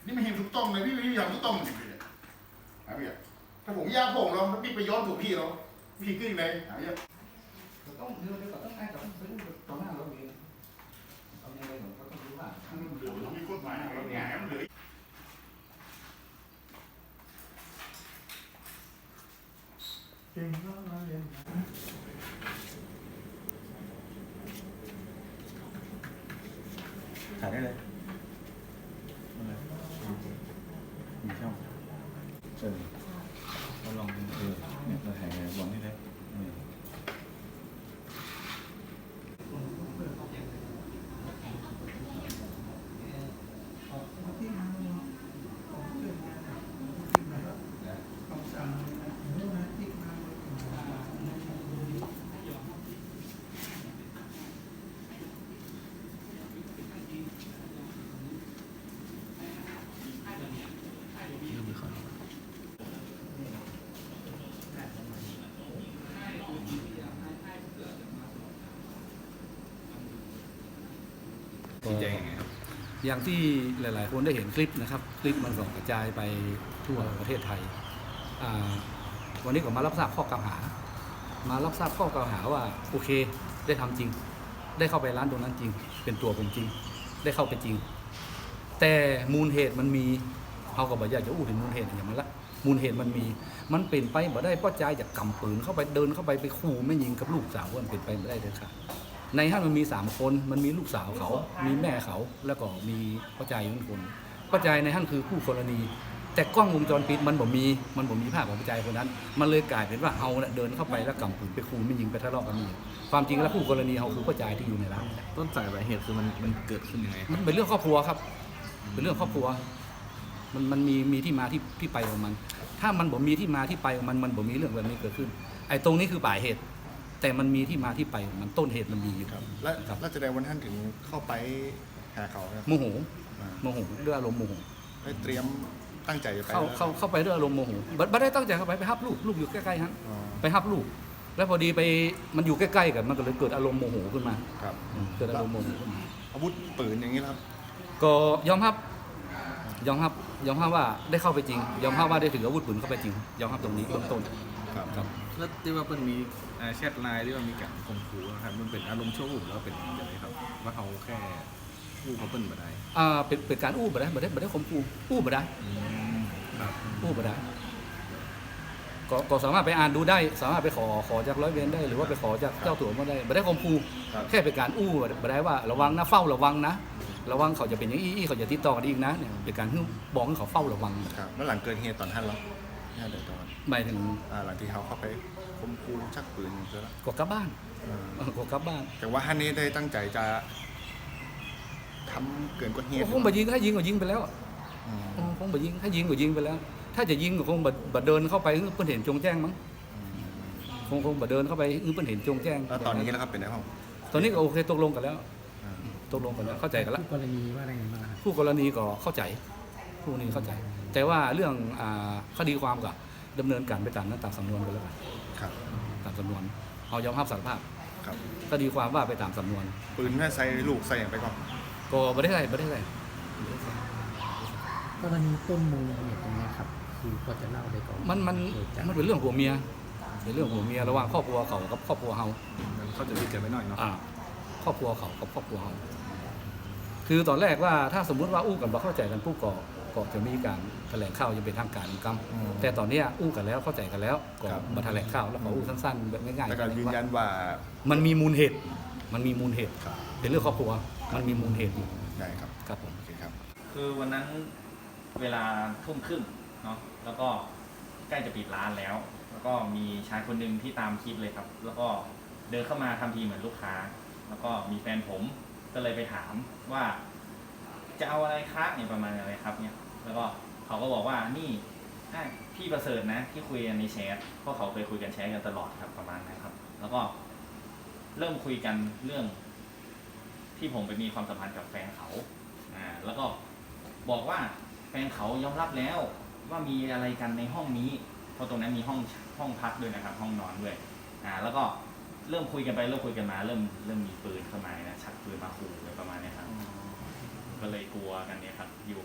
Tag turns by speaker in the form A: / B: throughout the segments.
A: นี่ไม่เห็นถูกต้องเลยพี่ไม่อยากถูกต้องจริงเลยหาพี่ถ้าผมยากผมเราพี่ไปย้อนถูกพี่เราพี่ขึ้นเลยหาพี่
B: ต้องเดี๋ยวก็ต้องให้กับซื้อตรงหน้าเราเองเอาในอะไรของเขาต้องรู้ว่า
A: เหลือมีกฎหมายอะไรแง่เหลือ
C: เก่งมากเรียน
A: ถ่ายได้เลยมีช่องเราลองเนี่ยเราถ่ายบอลให้ได้
B: อย่างที่หลาย ๆ คนได้เห็นคลิปนะครับคลิปมันส่งกระจายไปทั่วประเทศไทยวันนี้ก็มารับทราบข้อกล่าวหาว่าโอเคได้ทำจริงได้เข้าไปร้านตรงนั้นจริงเป็นตัวผมจริงได้เข้าไปจริงแต่มูลเหตุมันมีเขาก็บอกอยากจะอู้ถึงมูลเหตุอย่างมันละมูลเหตุมันเป็นไปบ่ได้เพราะใจจากกำปืนเข้าไปเดินเข้าไปขู่ไม่ยิงกับลูกสาวมันเป็นไปไม่ได้เลยค่ะในห้างมันมี3คนมันมีลูกสาวเขามีแม่เขาแล้วก็มีพ่อใจ1คนพ่อใจในห้างคือคู่กรณีแต่กล้องวงจรปิดมันบ่มีภาพของพ่อใจคนนั้นมันเลยกลายเป็นว่าเฮาเดินเข้าไปแล้วกำปืนไปขู่ไม่ยิงไปทะเลาะกันนี่ความจริงแล้วคู่กรณีเฮาคือพ่อใจที่อยู่ในร้าน
D: ต้นสายปลายเหตุคือมันเกิดขึ้นยังไง
B: มันเป็นเรื่องครอบครัวครับเป็นเรื่องครอบครัวมันมีที่มาที่ไปของมันถ้ามันบ่มีที่มาที่ไปของมันบ่มีเรื่องแบบนี้เกิดขึ้นไอ้ตรงนี้คือปลายเหตุแต่มันมีที่มาที่ไปของมันต้นเหตุมันมีอยู่
A: ครับแล้วแสดงวันท่านถึงเข้าไปหาเขา
B: โมโหด้วยอารมณ์โมโห
A: เตรียมตั้งใจจะไป
B: เข้าไปด้วยอารมณ์โมโหบัดได้ตั้งใจเข้าไปฮับลูกอยู่ใกล้ๆฮะไปฮับลูกแล้วพอดีไปมันอยู่ใกล้ๆกันมันก็เลยเกิดอารมณ์โมโหขึ้นมา
A: ครับ
B: เกิดอารมณ์โมโหขึ้นมา
A: อาวุธปืนอย่างนี้ครับ
B: ก็ยอมรับว่าได้เข้าไปจริงยอมรับว่าได้ถืออาวุธปืนเข้าไปจริงยอมรับตรงนี้เบื้องต้น
A: ครับ
D: แล้วที่ว่ามันมีแชทไลน์ที่ว่ามีการข่มขู่นะครับมันเป็นอารมณ์ชั่ววูบแล้วเป็นยังไงครับว่าเขาแค่อู้เขาเปิ้ลมาได้
B: เป็นการอู้บ่ได้ข่มขู่อู้บ่ได้อู้บ่ได้ก็สามารถไปอ่านดูได้สามารถไปขอจากร้อยเวรได้หรือว่าไปขอจากเจ้าตัวมาได้บ่ได้ข่มขู่แค่เป็นการอู้บ่ได้ว่าระวังนะเฝ้าระวังนะระวังเขาจะเป็นอย่างอี้เขาจะติดต่อกันอีกนะเนี่ยเป็นการบอกให้เขาเฝ้าระวัง
A: ครับแล้วหลังเกิดเหตุตอนท่านแล้วเดี๋ยวตอน
B: หมายถึง
A: หลังที่เขาเข้าไปข่มขู่ชักปืนเสร็จแล้ว
B: ก็กลับบ้าน
A: แต่ว่าท่านนี้ได้ตั้งใจจะทำเกินกว่าเหตุ
B: คงบ่ยิงถ้ายิงก็ยิงไปแล้วคงบ่ยิงถ้ายิงก็ยิงไปแล้วถ้าจะยิงก็คงบ่เดินเข้าไปเพิ่นเห็นจงแจ้งมั้งคงบ่เดินเข้าไปเพิ่นเห็นจงแจ้ง
A: แล้วตอนนี้นะครับเป็นไงบ้าง
B: ตอนนี้ก็โอเคตกลงกันแล้วเข้าใจกันแล้ว
C: คู่กรณีว่าอะไรบ้าง
B: คู่กรณีก็เข้าใจคู่นี้เข้าใจแต่ว่าเรื่องคดีความก็ดำเนินการไปตามนั้นตามสำนวนกันแล้วกันตามสำนวนเอายอมรับสารภาพคดีความว่าไปตามสำนวน
A: ปืนแม่ใส่ลูกใส่อย่างไปก่อน
B: ก็ไม่ได้ใส่
C: กรณีต้นมูลเหตุตรงนี้ครับคือพอจะเล่าได้ก่อน
B: มันเป็นเรื่องผัวเมียระหว่างครอบครัวเขากับครอบครัวเฮา
D: เขาจะดีกันไปหน่อยเนาะ
B: ครอบครัวเขากับครอบครัวเฮาคือตอนแรกว่าถ้าสมมุติว่าอู้กันบ่เข้าใจกันผู้ก็จะมีการแถลงข่าวจะเป็นทางการกรรมแต่ตอนนี้อู้กันแล้วเข้าใจกันแล้วก็มาแถลงข่าวแล้วขออู้สั้นๆแบบง่ายๆ
A: แต่การยืนยันว่า
B: มันมีมูลเหตุเป็นเรื่องครอบครัวมันมีมูลเหตุอยู่
A: ได้ครับ
B: ครับผม
E: คือวันนั้นเวลาทุ่มครึ่งเนาะแล้วก็ใกล้จะปิดร้านแล้วก็มีชายคนหนึ่งที่ตามคลิปเลยครับแล้วก็เดินเข้ามาทำทีเหมือนลูกค้าแล้วก็มีแฟนผมก็เลยไปถามว่าจะเอาอะไรคะเนี่ยประมาณอะไรครับเนี่ยแล้วก็เขาก็บอกว่านี่พี่ประเสริฐนะที่คุยกันในแชทเพราะเขาเคยคุยกันแชทกันตลอดครับประมาณนั้นครับแล้วก็เริ่มคุยกันเรื่องที่ผมไปมีความสัมพันธ์กับแฟนเขาแล้วก็บอกว่าแฟนเขายอมรับแล้วว่ามีอะไรกันในห้องนี้เพราะตรงนั้นมีห้องพักด้วยนะครับห้องนอนด้วยแล้วก็เริ่มคุยกันไปเริ่มคุยกันมาเริ่มมีปืนเข้ามานะชักปืนมาขู่อะไรประมาณนี้ครับก็เลยกลัวกันเนี่ยครับอยู่ข้างหลังกับ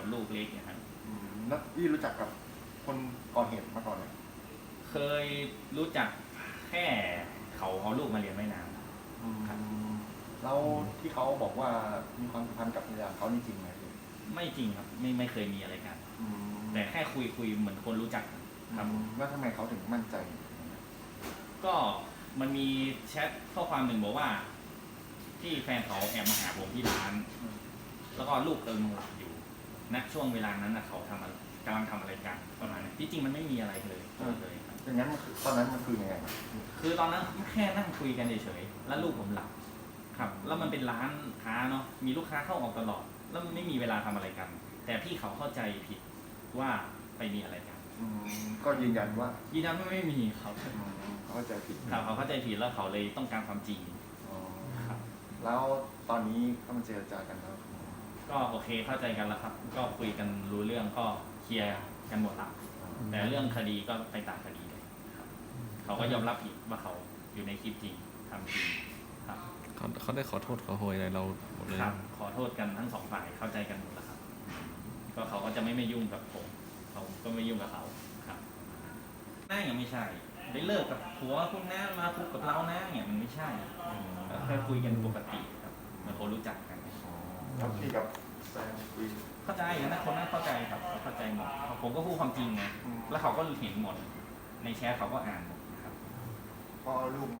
E: กับลูกเล็กเนี่ยครับ
A: แล้วพี่รู้จักกับคนก่อเหตุมาก่อนเลย
E: เคยรู้จักแค่เขาเอาลูกมาเรียนไม่นาน ครับ
A: แล้วที่เขาบอกว่ามีความสัมพันธ์กับภรรยาเขานี่จริงไหมพี่
E: ไม่จริงครับไม่เคยมีอะไรกัน แต่แค่คุยเหมือนคนรู้จักครับ
A: แล้วทำไมเขาถึงมั่นใจ
E: ก็มันมีแชทข้อความหนึ่งบอกว่า ที่แฟนเขาแอบมาหาผมที่ร้าน แล้วก็ลูกกำลังหลับอยู่ณช่วงเวลานั้นนะเขากำลังทำอะไรกันประมาณนี้ที่จริงมันไม่มีอะไรเลยเลยครับ
A: อย่างนั้นมันคือตอนนั้นมันคือยังไง
E: คือตอนนั้นแค่นั่งคุยกันเฉยๆแล้วลูกผมหลับครับ แล้วมันเป็นร้านค้าเนาะมีลูกค้าเข้าออกตลอด แล้วมันไม่มีเวลาทำอะไรกัน แต่พี่เขาเข้าใจผิดว่าไปมีอะไรกัน
A: ก็ยืนยันว่า
E: ยืนยันว่าไม่มีครับ
A: เขาเข้าใจผิด
E: ครับเขาเข้าใจผิดแล้วเขาเลยต้องการความจริง ครับ
A: แล้วตอนนี้เขามาเจรจากันแล้ว
E: ก็โอเคเข้าใจกันแล้วครับ ก็คุยกันรู้เรื่องก็เคลียร์กันหมดละแต่เรื่องคดีก็ไปตามคดีเลยครับเขาก็ยอมรับผิดว่าเขาอยู่ในคลิปจริงทำจริงครับ
D: เขาได้ขอโทษขอโพยอะไรเราหมดเลย
E: ครับขอโทษกันทั้งสองฝ่ายเข้าใจกันหมดแล้วครับ ก็เขาก็จะไม่ยุ่งกับผมเขาก็ไม่ยุ่งกับเขาครับน่ายังไม่ใช่ได้เลิกกับผัวพวกนั้นมาคุกกับเรานะเนี่ยมันไม่ใช่แค่คุยกันปกติครับเหมือนคนรู้จักกัน
A: แล้วพี่กับแฟนคุย
E: เข้าใจนะคนนั้นเข้าใจครับเขาเข้าใจหมดผมก็พูดความจริงไงแล้วเขาก็เห็นหมดในแชทเขาก็อ่านหมดนะครับ
A: พอลูก